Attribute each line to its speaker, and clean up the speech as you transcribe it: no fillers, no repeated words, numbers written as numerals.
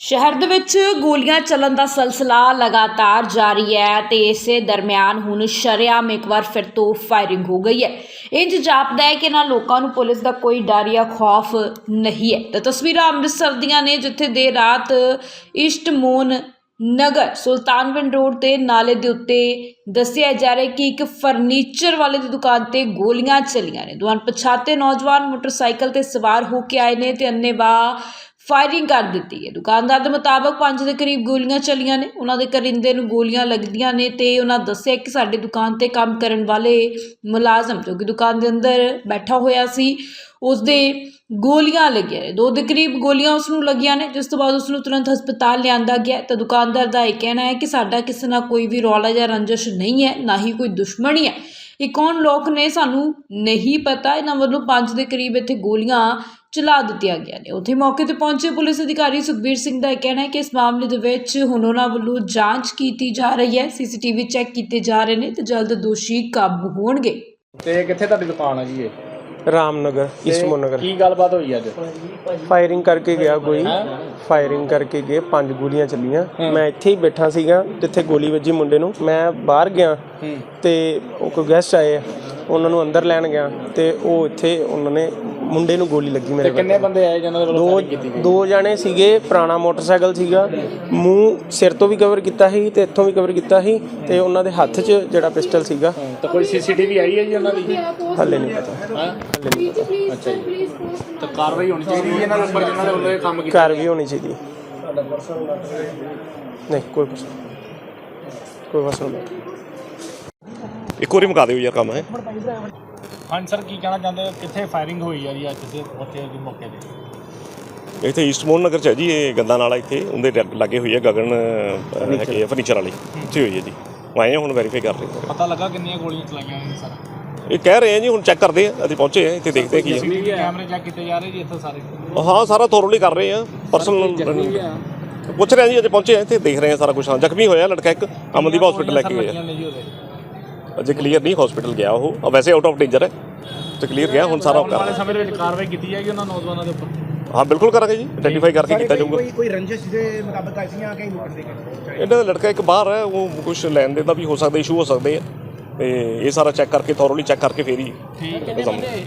Speaker 1: शहर दे विच गोलियां चलन का सिलसिला लगातार जारी है तो इस दरम्यान हुण शरेआम एक बार फिर तो फायरिंग हो गई है। इंज जापदा है कि इन्हां लोकां नूं पुलिस का कोई डर या खौफ नहीं है। तो तस्वीरां अमृतसर दियां ने जिथे देर रात ईस्टमोन नगर सुल्तानविंड रोड ते नाले दे उत्ते दस्सिया जा रहा है कि एक फर्नीचर वाले की दुकान ते गोलियां चलियां ने। दो अणपछाते नौजवान मोटरसाइकिल ते सवार होके आए ने ते अन्नेवाह फायरिंग कर दी है। दुकानदार के मुताबिक 5 के करीब गोलियां चलियां ने। उन्होंने करिंदे नूं गोलियां लगदियां ने ते उन्होंने दस्सिया कि साडी दुकान ते काम करन वाले मुलाजम जो कि दुकान के अंदर बैठा होया सी उसदे गोलियां लगियां ने। 2 के करीब गोलियां उसनूं लगियां ने जिस तो बाद उसनूं तुरंत हस्पताल लिआंदा गया। तो दुकानदार का यह कहना है कि साडा किसी ना कोई भी रौला या रंजिश नहीं है, ना ही कोई दुश्मनी है। ये कौन लोग ने सानू नहीं पता। इन्हां वल्लों 5 के करीब इत्थे गोलियां चला दित्तियां गया ने। उत्थे मौके ते पहुंचे पुलिस अधिकारी सुखबीर सिंह का कहना है कि इस मामले दे विच हुण उन्हां वल्लों जांच कीती जा रही है, CCTV चैक कीते जा रहे हैं ते जल्द दोषी काबू होणगे।
Speaker 2: ਤੇ ਕਿੱਥੇ ਤੁਹਾਡੀ ਦੁਕਾਨ ਆ ਜੀ ਇਹ?
Speaker 3: रामनगर ईस्टमोन नगर
Speaker 2: ਕੀ ਗੱਲਬਾਤ ਹੋਈ ਅੱਜ?
Speaker 3: फायरिंग करके गया कोई फायरिंग करके गए 5 गोलियां चलियां। मैं ਇੱਥੇ ਹੀ ਬੈਠਾ ਸੀਗਾ ਜਿੱਥੇ ਗੋਲੀ ਵੱਜੀ ਮੁੰਡੇ ਨੂੰ। ਮੈਂ ਬਾਹਰ ਗਿਆ ਤੇ ਉਹ ਕੋਈ ਗੈਸਟ ਆਏ ਉਹਨਾਂ ਨੂੰ ਅੰਦਰ ਲੈਣ ਗਿਆ ਤੇ ਉਹ ਇੱਥੇ ਉਹਨਾਂ ਨੇ ਮੁੰਡੇ ਨੂੰ ਗੋਲੀ ਲੱਗੀ ਮੇਰੇ
Speaker 2: ਕਿੰਨੇ ਬੰਦੇ ਆਏ ਜਿਹਨਾਂ ਦੇ ਵੱਲੋਂ ਫਾਇਰਿੰਗ ਕੀਤੀ ਗਈ?
Speaker 3: 2 ਜਾਣੇ ਸੀਗੇ। ਪੁਰਾਣਾ ਮੋਟਰਸਾਈਕਲ ਸੀਗਾ, ਮੂੰਹ ਸਿਰ ਤੋਂ ਵੀ ਕਵਰ ਕੀਤਾ ਸੀ ਤੇ ਇੱਥੋਂ ਵੀ ਕਵਰ ਕੀਤਾ ਸੀ ਤੇ ਉਹਨਾਂ ਦੇ ਹੱਥ 'ਚ ਜਿਹੜਾ ਪਿਸਟਲ ਸੀਗਾ।
Speaker 2: ਤਾਂ ਕੋਈ CCTV ਆਈ ਹੈ ਜੀ ਉਹਨਾਂ ਦੀ?
Speaker 3: ਹੱਲੇ ਨਹੀਂ ਪਤਾ,
Speaker 2: ਹਾਂ
Speaker 3: ਹੱਲੇ ਨਹੀਂ ਪਤਾ।
Speaker 2: ਅੱਛਾ ਜੀ, ਤਾਂ ਕਾਰਵਾਈ ਹੋਣੀ ਚਾਹੀਦੀ ਹੈ ਇਹਨਾਂ ਦੇ ਉੱਪਰ ਜਿਹਨਾਂ ਦੇ ਵੱਲੋਂ ਇਹ ਕੰਮ ਕੀਤਾ।
Speaker 3: ਕਾਰ ਵੀ ਹੋਣੀ ਚਾਹੀਦੀ। ਨਹੀਂ ਕੋਈ ਕੁਛ ਨਹੀਂ।
Speaker 4: ਇੱਕ ਵਾਰੀ ਮੁਕਾ ਦਿਓ ਯਾਰ ਕੰਮ ਹੈ।
Speaker 2: ਹਾਂਜੀ ਸਰ, ਕੀ ਕਹਿਣਾ ਚਾਹੁੰਦੇ ਹੋ? ਕਿੱਥੇ ਫਾਇਰਿੰਗ ਹੋਈ ਆ ਜੀ ਅੱਜ ਦੇ ਉੱਥੇ ਦੇ ਮੌਕੇ ਤੇ?
Speaker 4: ਇੱਥੇ ਈਸਟਮੋਨ ਨਗਰ 'ਚ ਹੈ ਜੀ, ਇਹ ਗੰਦਾ ਨਾਲਾ ਇੱਥੇ ਉਹਦੇ ਲਾਗੇ ਹੋਈ ਹੈ। ਗਗਨ ਹੈਗੇ ਫਰਨੀਚਰ ਵਾਲੀ, ਉੱਥੇ ਹੋਈ ਹੈ ਜੀ। ਆਏ ਹੁਣ ਵੈਰੀਫਾਈ ਕਰ ਰਹੇ ਹਾਂ।
Speaker 2: ਪਤਾ ਲੱਗਾ ਕਿੰਨੀਆਂ ਗੋਲੀਆਂ ਚਲਾਈਆਂ ਨੇ ਸਰ?
Speaker 4: ਇਹ ਕਹਿ ਰਹੇ ਆ ਜੀ, ਹੁਣ ਚੈੱਕ ਕਰਦੇ ਆ। ਅਸੀਂ ਪਹੁੰਚੇ ਆ ਇੱਥੇ, ਦੇਖਦੇ ਕੀ ਹੈ।
Speaker 2: ਕੈਮਰੇ ਚੈੱਕ ਕੀਤੇ ਜਾ ਰਹੇ ਜੀ ਇੱਥੇ ਸਾਰੇ?
Speaker 4: ਹਾਂ ਸਾਰਾ ਥੋਰਲੀ ਕਰ ਰਹੇ ਆ। ਪਰਸਨਲ ਪੁੱਛ ਰਹੇ ਆ ਜੀ, ਅਜੇ ਪਹੁੰਚੇ ਆ ਇੱਥੇ, ਦੇਖ ਰਹੇ ਆ ਸਾਰਾ ਕੁਛ। ਹਾਂ ਜ਼ਖਮੀ ਹੋਇਆ ਲੜਕਾ ਇੱਕ, ਅਮਨਦੀਪ ਹਸਪੀਟਲ ਲੈ ਕੇ ਗਏ। ਅਜੇ ਕਲੀਅਰ ਨਹੀਂ, ਹਸਪੀਟਲ ਗਿਆ ਉਹ, ਵੈਸੇ ਆਊਟ ਆਫ ਡੇਂਜਰ ਹੈ ਤੇ ਕਲੀਅਰ ਗਿਆ। ਹੁਣ ਸਾਰਾ
Speaker 2: ਆਉਣ ਵਾਲੇ ਸਮੇਂ ਦੇ ਵਿੱਚ ਕਾਰਵਾਈ ਕੀਤੀ ਜਾਏਗੀ ਉਹਨਾਂ ਨੌਜਵਾਨਾਂ ਦੇ ਉੱਪਰ?
Speaker 4: ਹਾਂ ਬਿਲਕੁਲ ਕਰਾਂਗੇ ਜੀ, ਆਈਡੈਂਟੀਫਾਈ ਕਰਕੇ ਕੀਤਾ ਜਾਊਗਾ।
Speaker 5: ਕੋਈ ਰੰਜਿਸ਼ ਦੇ ਮੁਤਾਬਕ ਆਈਆਂ ਕਿ ਲੁੱਟਣ ਦੇ
Speaker 4: ਇਹਨਾਂ ਦਾ ਲੜਕਾ ਇੱਕ ਬਾਹਰ ਹੈ, ਉਹ ਕੁਛ ਲੈਣ ਦੇਣ ਦਾ ਵੀ ਹੋ ਸਕਦਾ, ਇਸ਼ੂ ਹੋ ਸਕਦੇ ਆ। ਤੇ ਇਹ ਸਾਰਾ ਚੈੱਕ ਕਰਕੇ, ਥੋਰਲੀ ਚੈੱਕ ਕਰਕੇ ਫੇਰ ਹੀ